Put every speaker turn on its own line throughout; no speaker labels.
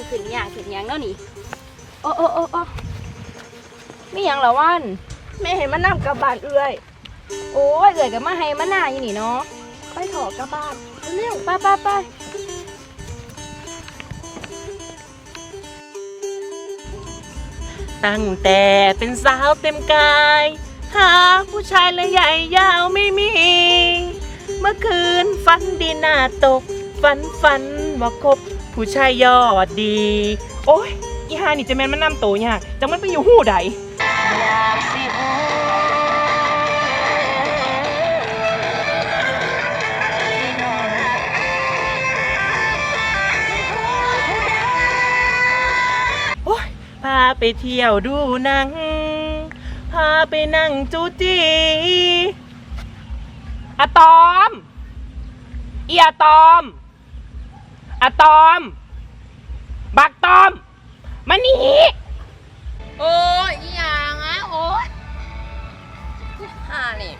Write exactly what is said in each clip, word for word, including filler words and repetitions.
ขึ้นอย่างขึ้นอย่างเนาะนี่โอ้โอ้โอ้โอ้ไม่ยังละวันแม่เห็นมันนั่งกับบ้านเอื้อยโอ้ยเอื้อยกับมาให้มาหน้าอยู่นี่เนาะไปถอกับบ้านเร็วไปไปไป
ตั้งแต่เป็นสาวเต็มกายหาผู้ชายเลยใหญ่ยาวไม่มี เมื่อคืนฝันดีหน้าตกฝันฝันว่าคบผู้ชายยอดดี โอ้ยอีฮานี่จะแม่นมันนำโตยากจังมันไปอยู่หู้ใดอยากสิฮู้โอ้ยพาไปเที่ยวดูหนังพาไปนั่งจูจีอะตอมอีอะตอมอะตอมบักตอมมานี่โอ้ยอีหยังอ่ะโอ้ยห่านี่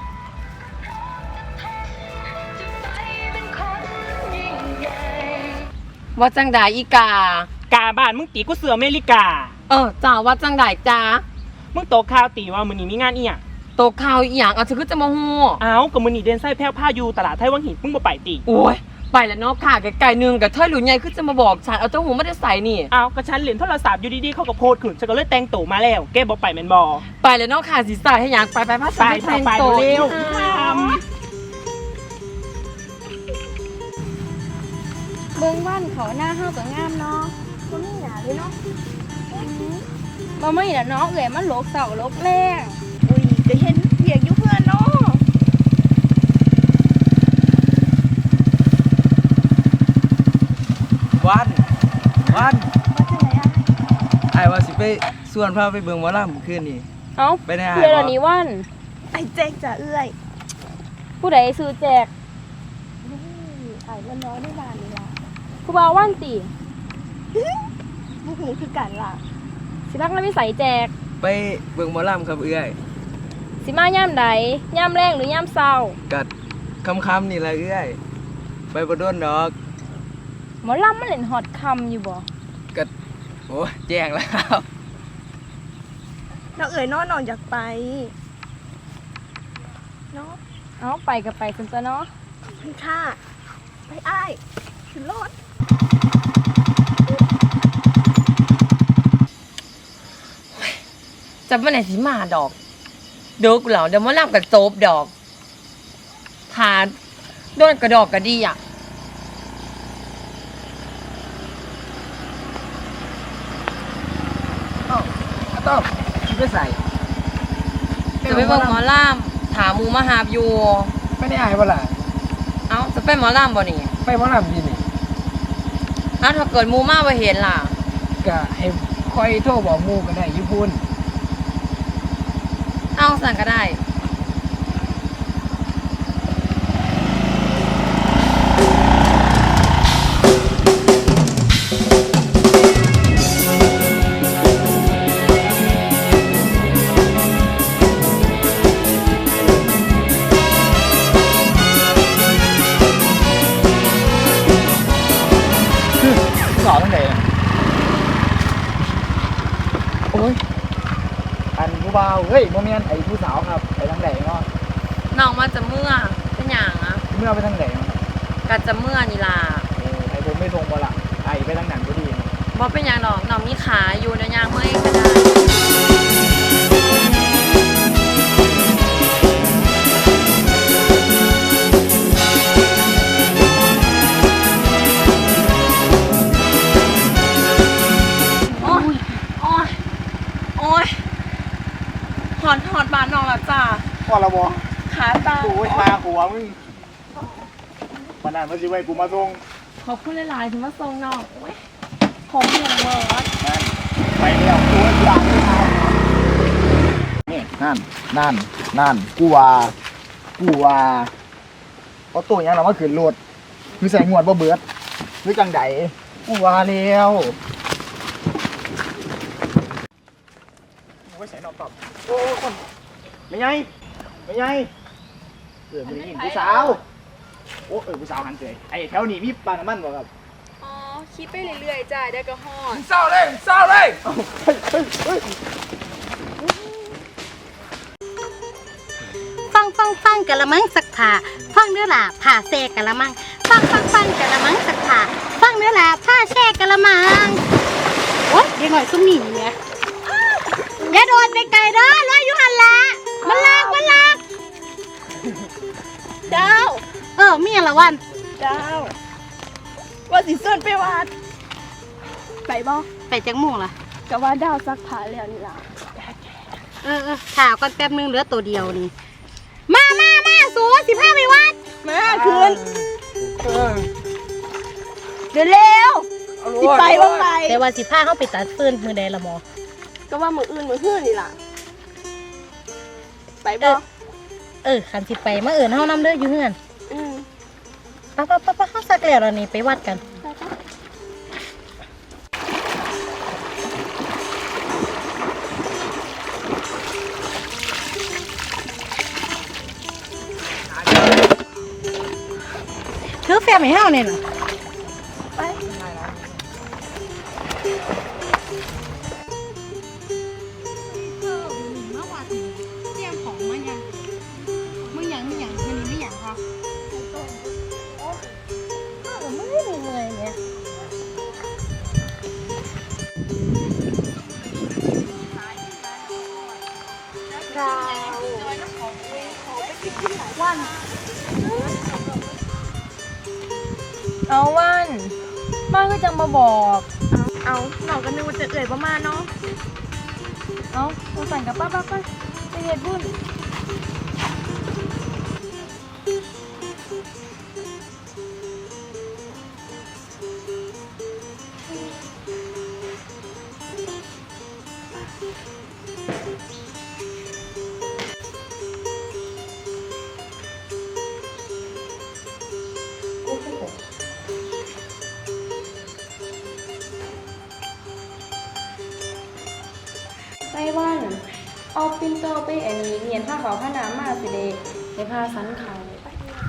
ว่าจังไดอีกากาบ้านมึงตีกูเสืออเมริกาเออจ้าว่าจังไดจ้ามึงโตข่าวตีว่ามื้อนี้มีงานอีหยังโตข่าวอีหยังเอาฉันคือจะมาฮู้อ้าวก็มื้อนี้เดินไส้แพ้วผ้าอยู่ตลาดไทยวังหินมึงบ่ไปติโอ้ยไปแล้วเนาะค่ะไกลๆนึงกับเธอหลุยใหญ่คือจะมาบอกฉันเอาเจ้าหูไม่ได้ใส่นี่อ้าวก็ฉันเล่นโทรศัพท์อยู่ดีๆเขาก็โพสต์ขึ้นฉันก็เลยแต่งตัวมาแล้วแกบ่ไปแม่นบ่ไปแล้วเนาะค่ะสิใส่ให้หยังไปไปพาฉันไปแต่งตัวเร็ว
เบิ่งวันเขาหน้าห้าวกับงามเนาะก็ไม่หนาเลยเนาะมาไม่ละเนาะเอ๋ยมันโลกเสาโลกแรงอุ้ยจะเห็นเพียกอยู่เพื่อนเนาะ
วันวัน
ว่าจะไหนอ่ะ
ไอ้ว่าสิไปส่วนพาไปเบิ่งหมอลำคืนนี้
เอ้า
ไปได้
เพื่อนอันนี้วันไอ้แจกจะเอื้อยผู้ใดซื้อแจกไอ้วันน้อยได้บานนี่ล่ะผู้บ่าววันตีผู้หูคือกันล่ะสิพักแล้วไม่ใส่แจก
ไปเบิ่งหมอลำครับเอื้อย
สิมาย่ามใดย่ามแรงหรือย่ามเศร้า
กัดคำๆนี่แหละเอื้อยไปบ่โดนดอก
หมอลำมันเล่นฮอตคำอยู่บ่
กัดโอ้แจ้งแล้ว
น้องเอ๋ยน้องนอนอยากไปเนาะเอาไปกับไปคุณตัวเนาะพี่ค่ะไปอ้ายขึ้นรถ
จะไม่ไหนสิมาดอกเดี๋ยวกูเหล่าเดี๋ยวมาล่ำกับโซบดอกทาโดนกระดอกกระดีอ่ะ
อ้าวต้องคิดไปใส่
จะไปเบิ่งหมอล่ำถามมูมาหาบอยู่
ไม่ได้อายบ่ล่ะ
เอ้าจะไปหมอล่ำบ่นี่
ไปหมอลำดีนี่
อ้าวถ้าเกิดมูมาไปเห็นล่ะ
ก็ให้คอยโทรบอกหมู่ก็ได้อยู่พุ่น
เอาสั่งก็ได้
สอนตั้งแต่โอ้ยอันผู้บ่าวเฮ้ยโมเมนต์ไอ้ผู้สาวครับไปทางไหนเนาะ
น้องมาจะเมื่อเป็นอย่างอ่ะ
เมื่อไปทางไหน
กัจะเมื่อนี่ล่ะ
เออไอ้ผมไม่ทรงบ่ละไอ้ไปทางหนังก็ดี
บ่เป็นอย่างดอกน้องมีขาอยู่ในยางเมื่อยก็ได้หอดหอดบานน้องแล้วจ้า
พอละบ่
ขาตา
โอ้ยขาหัวมึงมันนั่นมันสิไว้กูมาส่ง
ขอบคุณหลายๆที่มาส่งน้องโอ้ยผมเหนื่อยเลย
นั่นไปแล้วกูอยากนี่นั่นนั่นนั่นกูว่ากูว่าเอาตัวยังเรามาขึ้นรถคือใส่งวดบ่เบิดคือจังไดกูว่าแล้วไว้ใส่นอกตอบโอ้คนไม่ไงไม่ไงเออไม่ได้ยินผู้สาวโอ้เออผู้สาวหันเฉยไอ้แถวนี้มีปลาน้ำมันบ่ครับ
อ๋อคิดไปเรื่อยๆจ้าเดี๋ยวก็ฮอด
เศร้าเลยเศร้าเลย
ฟังฟังฟังกะละมังสักผ่าฟังเนื้อหลาผ่าแซ่กะละมังฟังฟังฟังกะละมังสักผ่าฟังเนื้อหลาผ่าแซ่กะละมังโอ๊ยเดี๋ยวหน่อยซุ่มหนีเนี่ยอย่าโดดไปไกลเด้อรอยอยู่หันละมันลากมันลาก
ดาว
เออมีอะไรวัน
ดาวว่าสิส่วนไปวัดไปบ่
ไปจังหมู่ล่ะ
ก็ว่าดาวซักผ้าแล้วนี่ล่ะ
เออเออข่าวก่อนแป๊บนึงเหลือตัวเดียวนี่มามามาสูสิพาไปวัด
มาคืนเดี๋ยวเร็วสิไปบ่ไป
แต่ว่าสิพาเข้าไปตัดฟืนมือใดละหมอ
ก็ว่ามื้ออื่นมื้อฮื้อนี่ล่ะไป
เอ
บ่
อเออคันสิไปมาเอิ้นเฮานำเด้ออยู่เฮือน
อืม
ปะปะปะปะเฮาสักแล้วล่ะนี่ไปวัดกัน
ไปจ้ะ
ถือแฟมให้เฮาเนี่ยน่ะ
ไป
มาวัดเตรียมของมายังมึงหยังมึงหยังมื้อนี้ไม่หยังคะไม่ได้เหนื่อยเนี่ย
ดาว
เอาวันมาก็จังมาบอก
เอาน้องก็นึกว่าจะเอ่ยประมาณเนาะ
เอาสงสัยกับป้าป้าป้าไปเฮ็ดบุญ ไต้หวัน เอาปิ่นโตไปอันนี้เรียนผ้าขาวผ้าน้ำมาสิเดในผ้าสันเขาไป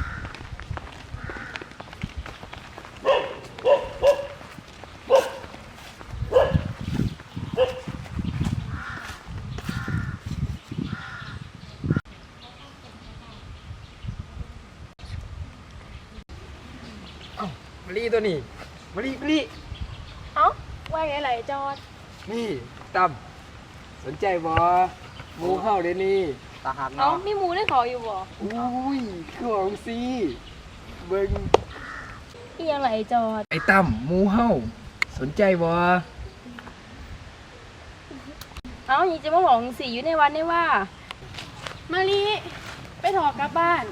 มะลิตัวนี้มะลิมะลิ
เอ้าว่าไงไหลจอด
นี่ตั้มสนใจบ่หมูเข้าเดี๋ยวนี้ตาหัก
เอา
เนาะ
มีหมูได้ขออยู่บ่
อุ้ยคือของซีเบิ่ง
อีหยังไหลจอด
ไอ้ตั้มหมูเฮาสนใจบ่
เอานี่จะมาบอกสีอยู่ในวัดได้ว่า
มาลีไปถอกกลับบ้าน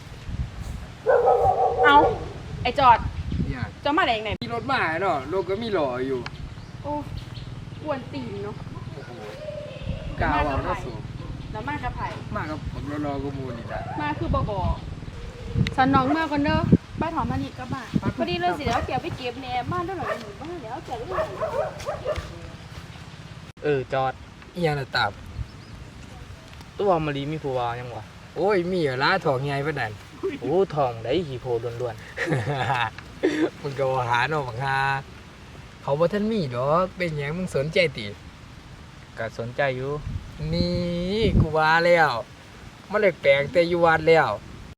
เอาไอจอด
เนี่ย
จะมาได้ยังไง
มีรถมาเนาะรถก็มีหล่ออยู่
โอ้กวนตีนเนาะ
กาวเอาเนาะสู
แล้วมากับไผ
มากับผมรอๆก็มูนี่ล่ะ
มาคือบ่บอกสันน้องมาก่อนเด้อไปถอนมาลีกลับบ้าน
พอดีเลยสิแล้วเกี่ยวไปเก็บแหน่บ้านด้วยหน่อยหนูบ้านแล้วเกี่ยวด้วย
เออจอด
อีหยังน่ะตับ
ตัวมะลีมีผัวยังวะ
โอ้ยมีเหรอล่ะถอกใหญ่ปานนั้น
โอ้ทองได้ขี่โพล้วน
มึงก็ว่าหาเนาะบักฮาเขาบ่ทันมีดอกเป็นหยังมึงสนใจติ
ๆก็สนใจอยู่
นี่กูว่าแล้วมันแปลกๆแต่อยู่วัดแล้ว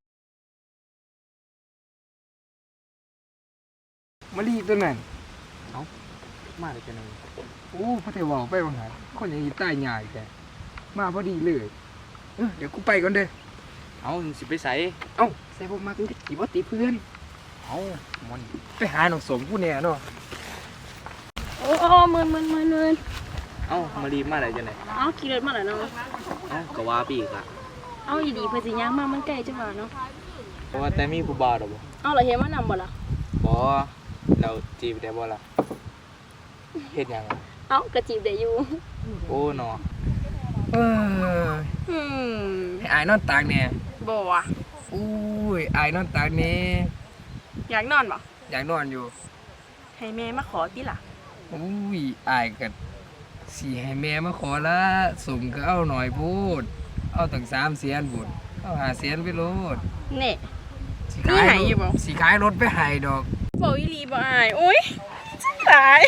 มะลิตัวนั้น
มาได้จังได๋
โอ้พระเทวาไปบังหารคนอย่างนี้ตายง่ายแกมาพอดีเลยเออเดี๋ยวกูไปก่อนเด้อ
เอาสิไปใส่
เอ้าใส่พวกมากันกี่บ่ติเพื่อน
เอามัน
ไปหาหนองสมผู้เนี่ยเนาะ
โอ้โอ้มืนมืนมืนมืน
เอามะลีมาได้จังได๋
เอาขี่รถมาแล้วเนาะ
เอาก็ว่าปีกอะ
เอาอีดีเพื่อสิย่างมามันใกล้จังหวะเนาะ
เพราะว่าแต่มีผู้บ่าวดอกบ่
เอาเหราเห็นว่านำบ่ล่ะ
บ่เราจีบได้บ่ล่ะเฮ็ดหยังอะ
เอากระจีบได้อยู่
โอ้เนาะ
เออ
อืม
ให้อายนอนตากเนี่ย
บ่ว่ะ
อุ้ยอายนอนตากเนี่ย
อยากนอนบ่
อยากนอนอยู่
ให้แม่มาขอติล่ะ
อุ้ยอายก็สิให้แม่มาขอละสมก็เอาหน่อยพูดเอาตั้งสามเสียนบุญเอาหาเสียนไปโลด
เน่
สิ
มีให้อยู่บ่
สิขายรถไปให้ดอก
บ่อีหลีบ่อายโอ้ย
ตาย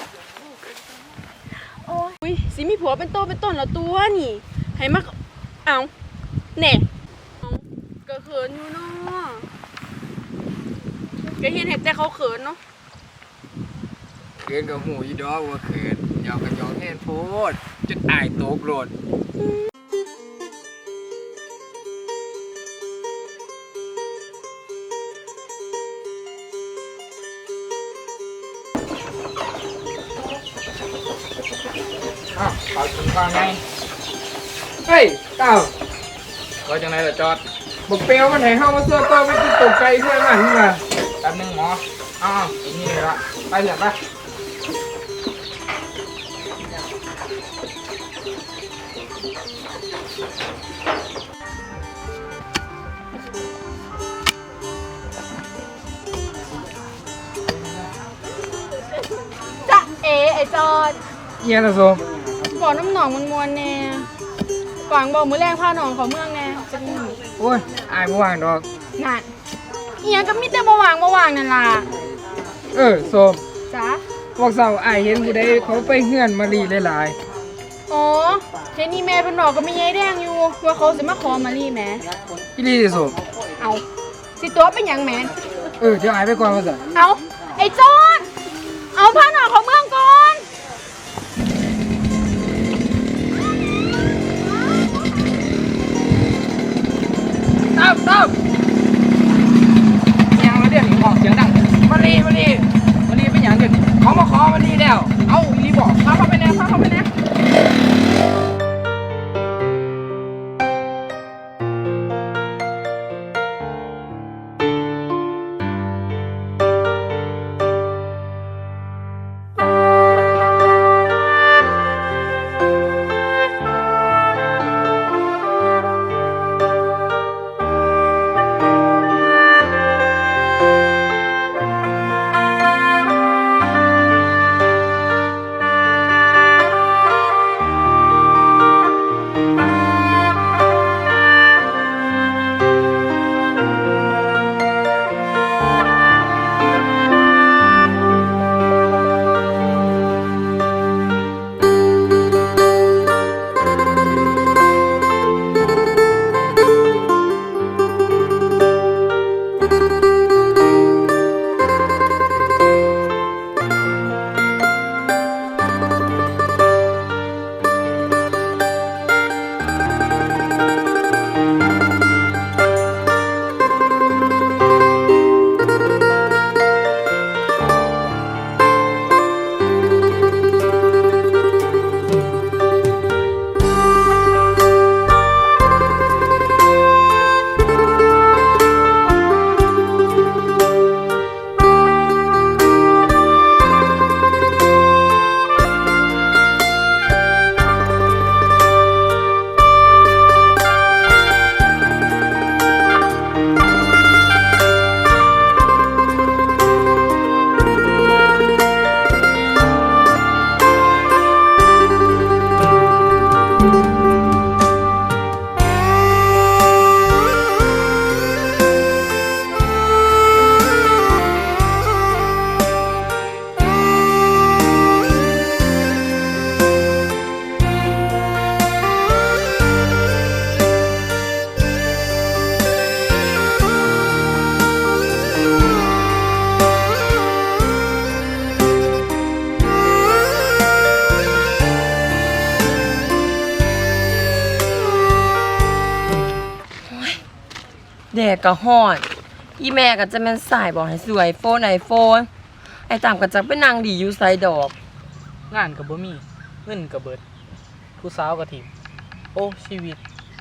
โอ้ยอุ๊ยสิมีผัวเป็นโตเป็นต้นแล้วตัวนี่ให้มาเอาแหน่เอาก็เขินอยู่เนาะก็เห็นเห็นแต่เขาเขินเนาะ
เขินกับหูอีดอกว่าเขินหยอกกับหยอกแน่นโพดจนอายตกโลด
อ้าวขอกินก่อนไง
เฮ้ยเต้า
ก็จังไรล่ะจอด
บอกเปลวมันให้เข้ามาเสื้อตัวไม่ติดตกใจเพื่อนมันนี่มา
แป๊บนึงหมออ้าวอีกนี่เลยละไปเถอะไป
จ๊ะเอไอจอด
เยี่ยละโซม
บอกน้ำหนองมันมวนแน่กวางบอกมือแรงพาหนองเขาเมืองแน่จะมี
โอ้ยอายบ่ว่างดอก
นั่นเอียงก็มีแต่บ่วางบ่วางนั่นล่ะ
เออโซม
จ๊ะ
บอกเสาอายเห็นผู้ใดเขาไปเฮือนมารีหลาย
อ๋อเห็นนี่แม่เป็นหนอกก็มียายแดงอยู่ว่าเขาสิมาขอมารีแหม่
ๆพี่ลีโซม
เอาสิตัวเป็นหยังแหม่
เออเดี๋ยวอายไปก่อนมาซะ
เอาไอ้จอดเอาพาหนองของเมืองก่อน
ตามตามยังมาเดี๋ยวนี้ออกเสียงดังมารีมารีมารีเป็นหยังเดี๋ยวนี้เขามาขอมารีแล้ว เอาอีรีบอกพาเข้าไปแน่พาเข้าไปแน่
แดดก็ฮ้อน อีแม่ก็จะแม่นสายบอกให้ซื้อไอโฟนไอโฟน ไอตามก็จะไปนั่งดีอยู่ไสดอก
งานกับบ่มีเงินกับเบิดผู้สาวกับทีมโอ้ชีวิต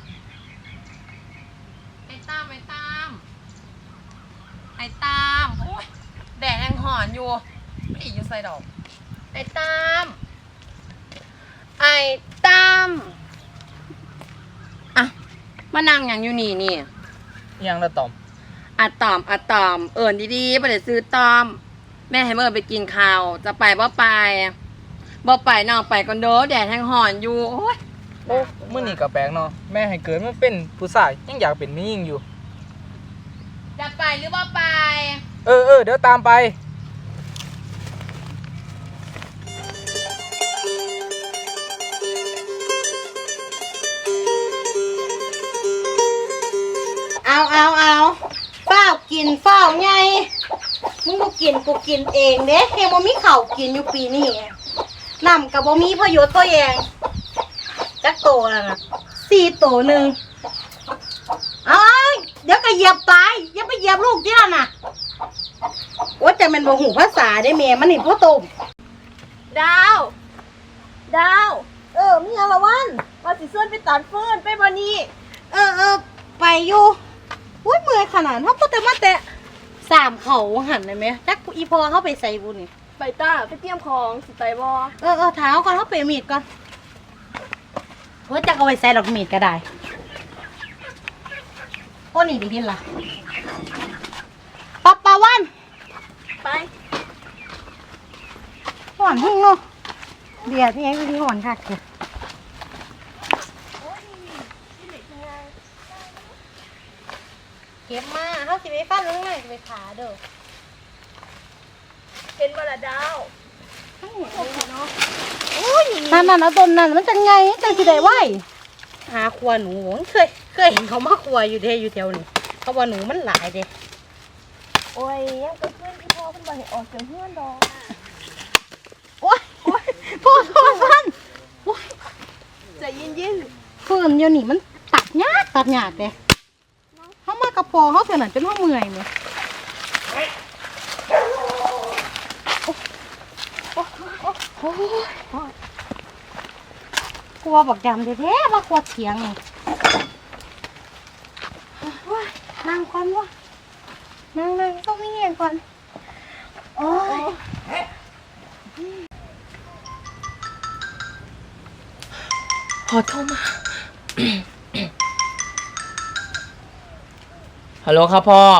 ไอตามไอตามไอตามโอ้ยแดดยังฮ้อนอยู่ไม่ดีอยู่ไสดอก ไอตามไอตามอ่ะมานั่งหยังอยู่นี่นี่
อิหยังละตอม
อะตอมอะตอมเอิญดีๆบ่ได้ซื้อตอม แม่ให้เมื่อไปกินข้าวจะไปบ่ไปบ่ไปน้องไปก่อนเด้อแดดแห้งห่อนอยู่โอ้ย
โอ้มื้อนี้ก็แปลกเนาะแม่ให้เกิดมาเป็นผู้ชายยังอยากเป็นแม่หญิงอยู่
จะไปหรือบ่ไป
เออเออเดี๋ยวตามไป
เอาเอาเอาเฝ้ากินเฝ้าไงมึงกูกินกูกินเองเด้เฮงบ่มีข้าวกินอยู่ปีนี้น้ำกับบ่มีประโยชน์ตัวเองจักโตแล้วนะสี่โตหนึ่งเอาเดี๋ยวก็เหยียบตายอย่าไปเหยียบลูกที่นั่นน่ะว่าจะเป็นบ่หูภาษาได้แม่มันนี่พ่อโตม
ดาว ดาว เออมีอะไรวันมาสิส่วนไปตัดฟืนไปบ่นี้
เออเออไปอยู่อุ้ยเมื่อยขนาดเขาพูดแต่มาแต่สามเขาหันเลยไหมจักอีพอเขาไปใส่บุญนี่
ไปต้าไปเตรียมของสิไปบ่
เออเออเท้าก่อนเขาไปมีดก่อนว่าจะเอาไปใส่ดอกมีดก็ได้โอ้นี่ดีที่ละปับปาวัน
ไป
หอนหุ่งเนาะเดี๋ยวที่ยังวิธีหอนค่ะเก็บมาเขาสิไปฟันลงไหนสิไปขาเด้อ
เห็นบ่ละดาว
นั่นนั่นเอาต้นนั่นมันจะไงจังสิได้ไหวหาครัวหนูเคยเคยเห็นเขามาครัวอยู่เทอยู่แถวนี้เขาว่าหนูมันหลายเด้
โอ้ยยังก็เพื่อนที่พ่อเพิ่นบ่ให้ออกจากเฮือนดอก
โอ๊ยโอ๊ยพ่อโทษฟันโอ๊ย
ใจเย็น
ฟืนเดี๋ยวนี้มันตัดยากตัดยากเด้เขามากระพอเขาเสียหนันจนเขาเมื่อยเลยโอ้ยกลัวบักดำแท้ๆว่ากลัวเถียงนี่โอ้ยนั่งก่อนวะนั่งเลยต้องมีเงี้ยก่อนโอ้ย
พอโทรมา ฮัลโหลครับพ่อ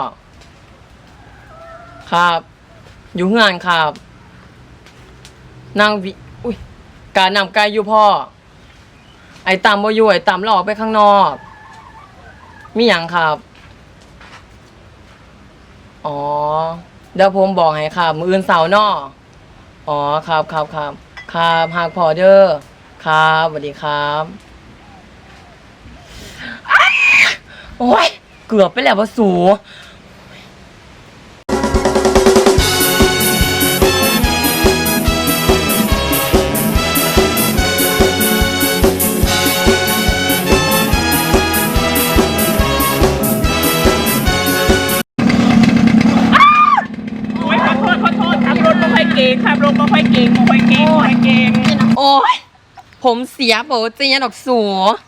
ครับ อยู่งานครับนั่งวิอุ้ยการนำไกลอยู่พ่อ ไอ้ตามบ่อยู่ไอ้ตามเราออกไปข้างนอก มีหยังครับ อ๋อ เดี๋ยวผมบอกให้ครับ มื้ออื่นเสาร์เนาะอ๋อ ครับครับครับครับหากพอเด้อครับสวัสดีครับอ้าโอ้ย เกือบไปแล้วว่าสู
โอ้ยขอโทษขอโทษขับรถมาค่อยเก่งขับรถมาค่อยเก่งมาค่อยเก่งมาค่อยเก่ง
โอ้ย ผมเสียโบเจียนออกสู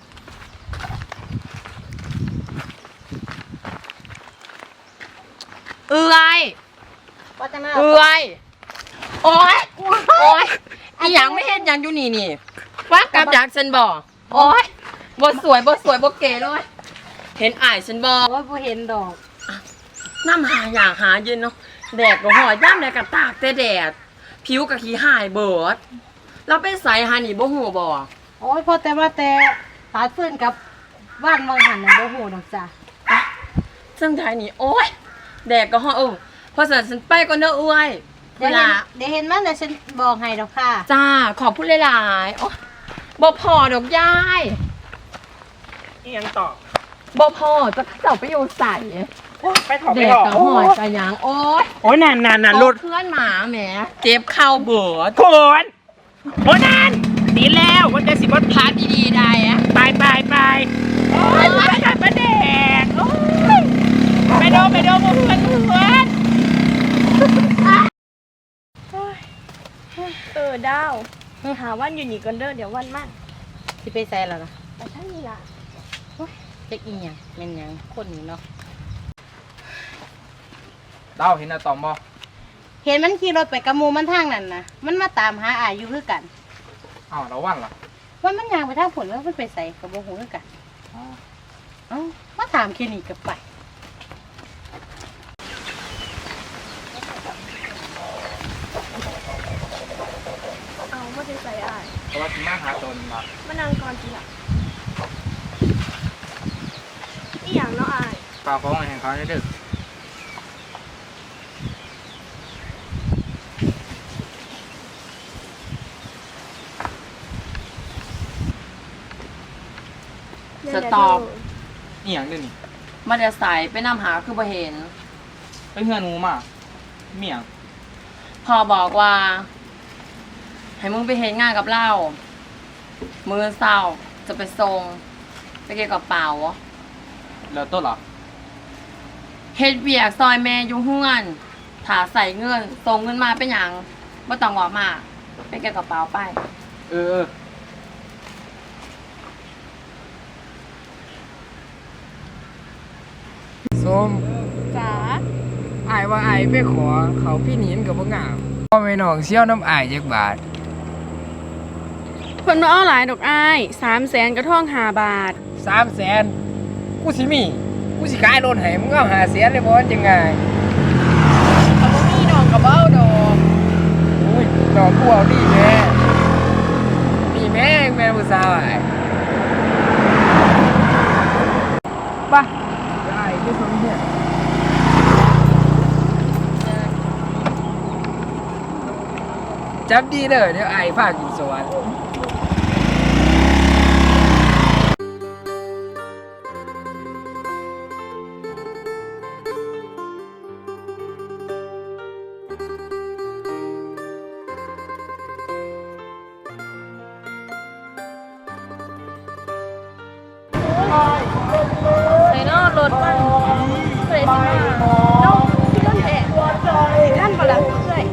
เอื้อย
ว่าจะมา
เอื้อยโอ้ย โอ้ยอีหยังไม่เห็นหยังอยู่นี่นี่ว่ากลับจากฉันบอกโอ้ยบ่สวยบ่สวยบ่เก๋เลย เห็นอายฉันบอก
ว่าผู้เห็นดอก
น้ำหาอย่างหาเย็นเนาะแดดก็หอยย่ำแดดก็ตากแต่แดด ผิวก็ขี้หายเบิดเราไปใส่หานี่บ่หูบ่
โอ้ยพอแต่ว่าแต่ตาฟื้นกับบ้านวังหันน่ะบ่ฮู้ดอกจ้ะ
ซึ่งไทยนี่โอ้ยแดดก็หอยเออพอสันฉันไปก่อนเด้อเอ้ย
เดี๋ยวเห็นเดี๋ยวเห็นมันเดี๋ยวฉันบอกให้ดอกค่ะ
จ้าขอบพูดหลายๆโอ้บ่พอดอกยาย
นี่ยังต่อ
บ่พอจะเจ้าไปอยู่ใส่
ไปถอด
แด
ไป
ด
ถอด
ก็หอยกะหยังโอ้ย
โอ้ยนานนานนานรถ
เพื่อนหมาแหมเจ็บเข่าเบิด
คนโอ้ยนานดีแล้ววันเดียวสิบวัน
พาดีๆได้อะ
ไปไปไปโอ้ยไปกันมาแดกโอ้ยไปโดไปโดมาเพื่อนเพื่อน
เออดาวหาวันอยู่นี่ก่อนเด้อเดี๋ยววันมาก
สิไปใส่แล้วนะ
ไปท่านนี่ล่ะ
เจ๊กอีหยังเป็นหยังคนนี้เนาะ
เต้าเห็นอะตอมบ่
เห็นมันขี่รถไปกับหมูมันทางนั่นนะมันมาตามหาอายอยู่คือกัน
อ้าวเราวันล่ะ
ว่ามันยางไปทางผลแล้วมันไปใส่กับโมโหคือกันเอ้ามาถามแค่นี้กับไป
เอาไม่ได้ใส่อ้าย
เพราะว่าที่มาหาตนมา
มานั่งก่อนทีละอีหยังเนาะอ้าย
เปล่าของแห่งเขาได้ดึก
สตอป
นี่อย่างนึงนี่
มาแต่ใสไปนำหาคือบ่เห็น
ไปเฮือนหนูมาเมียง
พ่อบอกว่า ให้มึงไปเฮ็ดงานกับเรามื้อเช้าจะไปส่งไปเก็บกระเป๋า
แล้วตัวล่ะ
เฮ็ดเวียกซอยแม่อยู่เฮือนถ้าใส่เงินส่งเงินมาเป็นหยังบ่ต้องบอกมาไปเก็บกระเป๋าไป
เออ
ส้ม
จ๋า
อายว่าอายไปขอเขาพี่หนินกับบ่งามพ่อแม่น้องเชี่ยวน้ำอายจักบาท
เพิ่นบ่เอาหลายดอกอ้ายสามแสนกระท่องห้าบาท
สามแสนกูสิมี กูสิขายรถให้มึงเอาหาแสนเลยบ่จังไงเอาบ่มีน้องก็บ่เอาดอกโอ้ยน้องกูเอาดีแม่นี่แม่งแม่ผู้สาวอ้ายไปได้ที่สุดเนี่ยจับดีเลยเดี๋ยวไอ้ฝากกินสวรรค์
ใส่นอรถมันเพื่อสิมาน้องพี่ต้นแท้สิท่านบ่ล่ะเอ้ย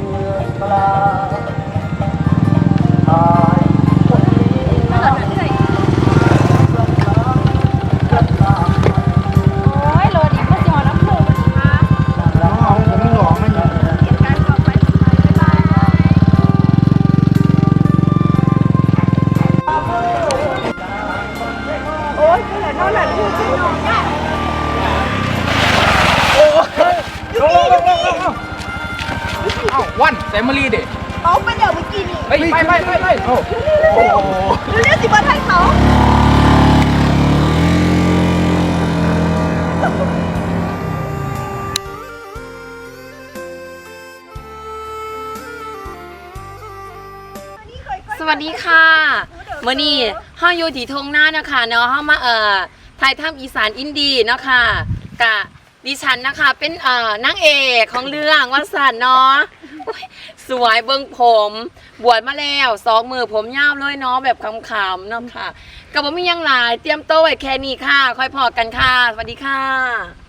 มาหลอดเอ้ยโอ้ยรถอีกมาสิฮอดอำเภอบ่สิมา
น้องเอาผมหลอกมันอยู่
เหตุการณ์ต่อไปบ๊ายบายโอ้ยเกิดนอนหลับอยู่ที่นอนเนี่ย
เอ้าวันแซมมารีเด็
เขาไปเดี๋ยวเมื่อกี้นี่
เฮ้ยไปไปไปไปโอ้
เรียกสิว่าไทยเขา
สวัสดีค่ะมื้อนี้เฮาอยู่ที่ทงหน้าเนาะค่ะเนาะเฮามาเอ่อถ่ายทำอีสานอินดี้เนาะค่ะกะดิฉันนะคะเป็นเอ่อนางเอกของเรื่องว่าสันเนาะโอ๊ยสวยเบิ่งผมบวชมาแล้วสองมือผมยาวเลยเนาะแบบขำๆเนาะค่ะก็บ่มีหยังหลายเตรียมโตวไว้แค่นี้ค่ะ ค่อยพอกันค่ะสวัสดีค่ะ